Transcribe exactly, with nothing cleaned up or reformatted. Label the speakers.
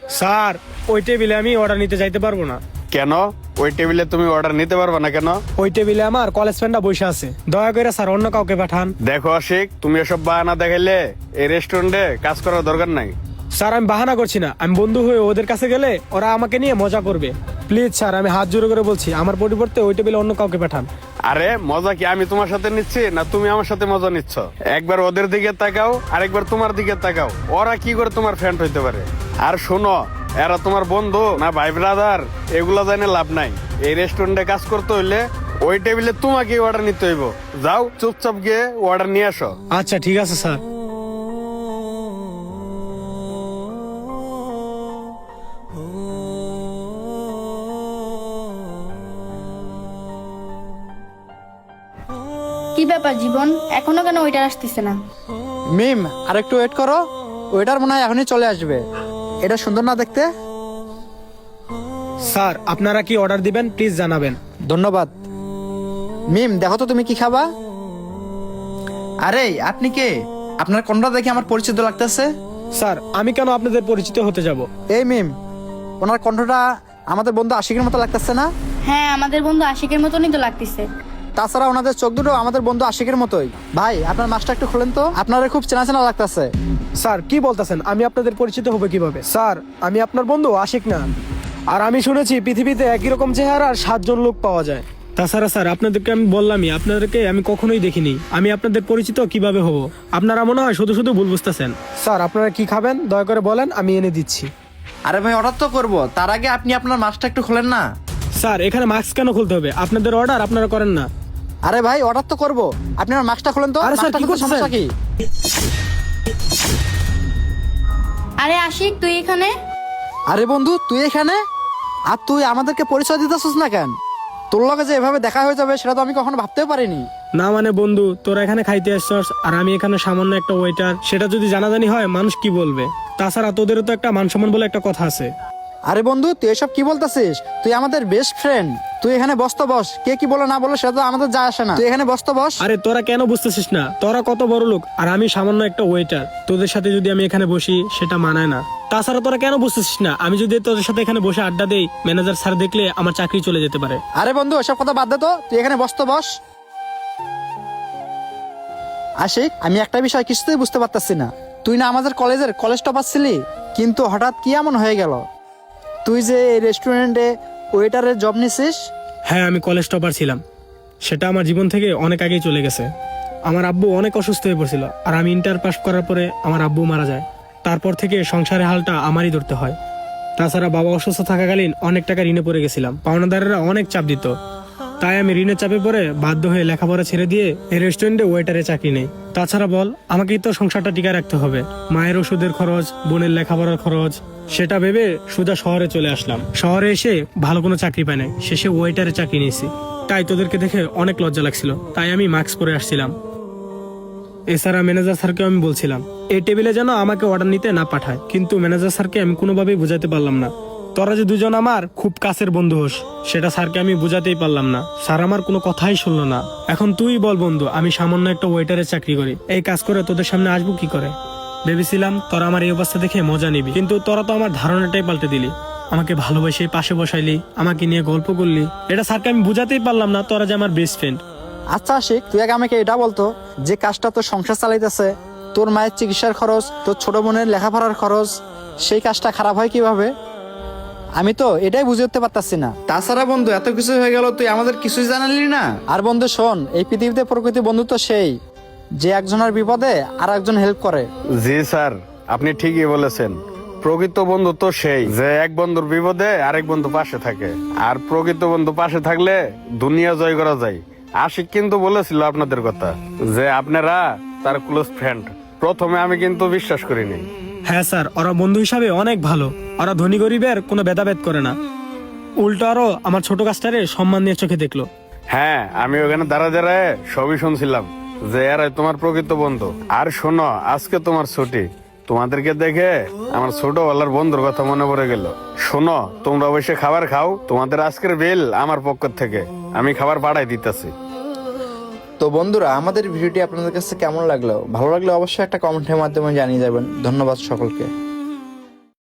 Speaker 1: Sir ওই টেবিলে আমি অর্ডার নিতে যাইতে পারবো না।
Speaker 2: কেন? ওই টেবিলে তুমি অর্ডার নিতে পারবে না কেন?
Speaker 1: ওই টেবিলে আমার কলেজ ফ্রেন্ডরা বসে আছে, দয়া করে স্যার অন্য কাউকে পাঠান।
Speaker 2: দেখো আশিক, তুমি এসব বাহানা দেখাইলে এই রেস্টুরেন্টে কাজ করার দরকার নাই।
Speaker 1: স্যার আমি বাহানা করছি না, আমি বন্ধু হয়ে ওদের কাছে গেলে ওরা আমাকে নিয়ে মজা করবে। প্লিজ স্যার আমি হাত জোড়ো করে বলছি, আমার পরিবর্তে ওই টেবিলে অন্য কাউকে পাঠান।
Speaker 2: আরে মজা কি আমি তোমার সাথে নিচ্ছি না তুমি আমার সাথে মজা নিচ্ছ? একবার ওদের দিকে তাকাও আর একবার তোমার দিকে তাকাও, ওরা কি করে তোমার ফ্রেন্ড হইতে পারে? আর শোনো, এরা তোমার বন্ধু না ভাই ব্রাদার এগুলা জানে লাভ নাই। এই রেস্টুরেন্টে কাজ করতে হইলে ওই টেবিলে তোমাকে অর্ডার নিতে হইব। যাও চুপচাপ গিয়ে অর্ডার নিয়ে আসো।
Speaker 1: আচ্ছা ঠিক আছে স্যার।
Speaker 3: কি ব্যাপার জীবন, এখনো কেন ওইটার আসতেছে না?
Speaker 4: মিম আর একটু ওয়েট করো, ওয়েটার মনে হয় এখনই চলে আসবে। এটা সুন্দর না দেখতে?
Speaker 1: স্যার আপনারা কি অর্ডার দিবেন প্লিজ জানাবেন।
Speaker 4: ধন্যবাদ। মিম দেখো তো তুমি কি খাবা?
Speaker 5: আরে আপনি কে? আপনার কোনটা দেখে আমার পরিচিত লাগতেছে।
Speaker 1: স্যার আমি কেন আপনাদের পরিচিত হতে যাব?
Speaker 4: এই মিম, ওনার কণ্ঠটা আমাদের বন্ধু আশিকের মতো লাগতেছে না?
Speaker 3: হ্যাঁ, আমাদের বন্ধু আশিকের মতনই তো লাগতেছে।
Speaker 4: তাছাড়া ওনাদের চোখ দুটো আমাদের বন্ধু আশিকের মতোই। ভাই আপনার মাছটা একটু খোলেন তো, আপনারা খুব চেনা চেনা লাগতেছে।
Speaker 1: স্যার কি বলতেছেন, আমি আপনাদের পরিচিত হবে কিভাবে? স্যার আমি আপনার বন্ধু আশিক না। আর আমি শুনেছি পৃথিবীতে একই রকম চেহারার সাতজন লোক পাওয়া যায়। তাছাড়া স্যার আপনাদেরকে আমি বললামই, আপনাদেরকে আমি কখনোই দেখিনি, আমি আপনাদের পরিচিত কিভাবে হব? আপনারা মনে হয় শুধু শুধু ভুল বুঝতেছেন। স্যার আপনারা কি খাবেন দয়া করে বলেন, আমি এনে দিচ্ছি।
Speaker 5: আরে ভাই অর্ডার তো করবো, তার আগে আপনি আপনার মাছটা একটু খোলেন না।
Speaker 1: স্যার এখানে মাস্ক কেন খুলতে হবে? আপনাদের অর্ডার আপনারা করেন না।
Speaker 4: আরে ভাই অর্ডার তো করবো, আপনি আমার মাছটা খোলেন তো।
Speaker 1: আরে স্যার,
Speaker 4: মাছটা
Speaker 1: কি
Speaker 4: খুলতে
Speaker 1: করছেন?
Speaker 4: সমস্যা কি?
Speaker 3: আরে আশিক তুই এখানে?
Speaker 4: আরে বন্ধু তুই এখানে? আর তুই আমাদেরকে পরিচয় দিতেছিস না কেন? তোর লগে যে এভাবে দেখা হয়ে যাবে সেটা তো আমি কখনো ভাবতেও পারিনি।
Speaker 1: না মানে বন্ধু, তোরা এখানে খাইতে আসছস আর আমি এখানে সামান্য একটা ওয়েটার, সেটা যদি জানাজানি হয় মানুষ কি বলবে? তাছাড়া তোদেরও তো একটা মান সম্মান বলে একটা কথা আছে।
Speaker 4: আরে বন্ধু তুই এসব কি বলতেছিস? তুই আমাদের বেস্ট ফ্রেন্ড, তুই এখানে বসতে বস। কে কি বলে না বলে সেটা তো আমাদের যায় আসে না, তুই এখানে বসতে বস।
Speaker 1: আরে তোরা কেন বুঝতেছিস না? তোরা কত বড় লোক আর আমি সামান্য একটা ওয়েটার। তোদের সাথে যদি আমি এখানে বসি সেটা মানায় না। তাছাড়া তোরা কেন বুঝতেছিস না? আমি যদি তোদের সাথে এখানে বসে আড্ডা দেই, ম্যানেজার স্যার দেখলে আমার চাকরি চলে যেতে পারে।
Speaker 4: আরে বন্ধু এসব কথা বাদ দে তো, তুই এখানে বসতে বস। আশিক আমি একটা বিষয় কিছুতেই বুঝতে পারতাছি না, তুই না আমাদের কলেজের কলেজ টপার ছিলি, কিন্তু হঠাৎ কি এমন হয়ে গেল তুই যে এই রেস্টুরেন্টে ওয়েটারের জব নিছিস?
Speaker 1: হ্যাঁ আমি কলেজ টপার ছিলাম, সেটা আমার জীবন থেকে অনেক আগেই চলে গেছে। আমার আব্বু অনেক অসুস্থ হয়ে পড়ছিল আর আমি ইন্টার পাস করার পরে আমার আব্বু মারা যায়। তারপর থেকে সংসারের হালটা আমারই ধরতে হয়। তাছাড়া বাবা অসুস্থ থাকাকালীন অনেক টাকা ঋণে পড়ে গেছিলাম, পাওনাদারেরা অনেক চাপ দিত। তাই আমি ঋণের চাপে পড়ে বাধ্য হয়ে লেখাপড়া ছেড়ে দিয়ে এই রেস্টুরেন্টে ওয়েটারে চাকরি নেই। তাছাড়া বল আমাকেই তো সংসারটা টিকায় রাখতে হবে, মায়ের ওষুধের খরচ, বোনের লেখাপড়ার খরচ, সেটা ভেবে সোজা শহরে চলে আসলাম। শহরে এসে ভালো কোনো চাকরি পাই নাই, শেষে ওয়েটারে চাকরি নিয়েছি। তাই তোদেরকে দেখে অনেক লজ্জা লাগছিল, তাই আমি মাস্ক পরে আসছিলাম। এছাড়া ম্যানেজার স্যারকে আমি বলছিলাম এই টেবিলে যেন আমাকে অর্ডার নিতে না পাঠায়, কিন্তু ম্যানেজার স্যারকে আমি কোনোভাবেই বুঝাতে পারলাম না। তোরা যে দুজন আমার খুব কাছের বন্ধু হোস, সেটা স্যারকে আমি বুঝাতেই পারলাম না। স্যার আমার কোনো কথাই শুনলো না। এখন তুই বল বন্ধু, আমি সামান্য একটা ওয়েটারের চাকরি করি, এই কাজ করে তোদের সামনে আসবো কি করে? ভেবেছিলাম তোরা আমার এই অবস্থা দেখে মজা নিবি, কিন্তু তোরা তো আমার ধারণাটাই পাল্টে দিলি। আমাকে ভালোবেসে পাশে বসাইলি, আমাকে নিয়ে গল্প করলি, এটা স্যারকে আমি বুঝাতেই পারলাম না তোরা যে আমার বেস্ট ফ্রেন্ড।
Speaker 4: আচ্ছা আশিক তুই আগে আমাকে এটা বলতো, যে কাজটা তোর সংসার চালাইতেছে, তোর মায়ের চিকিৎসার খরচ, তোর ছোট বোনের লেখাপড়ার খরচ, সেই কাজটা খারাপ হয় কিভাবে? আমি তো এটাই বুঝে উঠতে পারতাছি না।
Speaker 5: তাছাড়া বন্ধু এত কিছু হয়ে গেল, তুই আমাদের কিছুই জানালি না।
Speaker 4: আর বন্ধু শোন, এই পৃথিবীতে প্রকৃতি বন্ধু তো সেই যে একজনের বিপদে আর একজন হেল্প করে।
Speaker 2: জি স্যার, আপনি ঠিকই বলেছেন। প্রকৃত বন্ধু তো সেই যে এক বন্ধুর বিপদে আরেক বন্ধু পাশে থাকে, আর প্রকৃত বন্ধু পাশে থাকলে দুনিয়া জয় করা যায়। আশিক কিন্তু বলেছিল আপনাদের কথা যে আপনারা তার ক্লোজ ফ্রেন্ড। প্রথমে আমি কিন্তু বিশ্বাস করিনি।
Speaker 1: হ্যাঁ স্যার, ওরা বন্ধু হিসাবে অনেক ভালো। ওরা ধনী গরিবের কোনো ভেদাভেদ করে না, উল্টো আরো আমার ছোট কাজটারে সম্মান নিয়ে চোখে দেখলো।
Speaker 2: হ্যাঁ আমি ওখানে দাঁড়া দাঁড়ায় সবই শুনছিলাম যে এরাই তোমার প্রকৃত বন্ধু। আর শোনো, আজকে তোমার ছুটি, তোমাদেরকে দেখে আমার ছোটবেলার বন্ধুর কথা মনে পড়ে গেল। শোনো, তোমরা অবশ্যই খাবার খাও, তোমাদের আজকের বিল আমার পক্ষ থেকে আমি খাবার পাঠাই দিতেছি।
Speaker 5: তো বন্ধুরা, আমাদের ভিডিওটি আপনাদের কাছে কেমন লাগলো? ভালো লাগলে অবশ্যই একটা কমেন্টের মাধ্যমে জানিয়ে যাবেন। ধন্যবাদ সকলকে।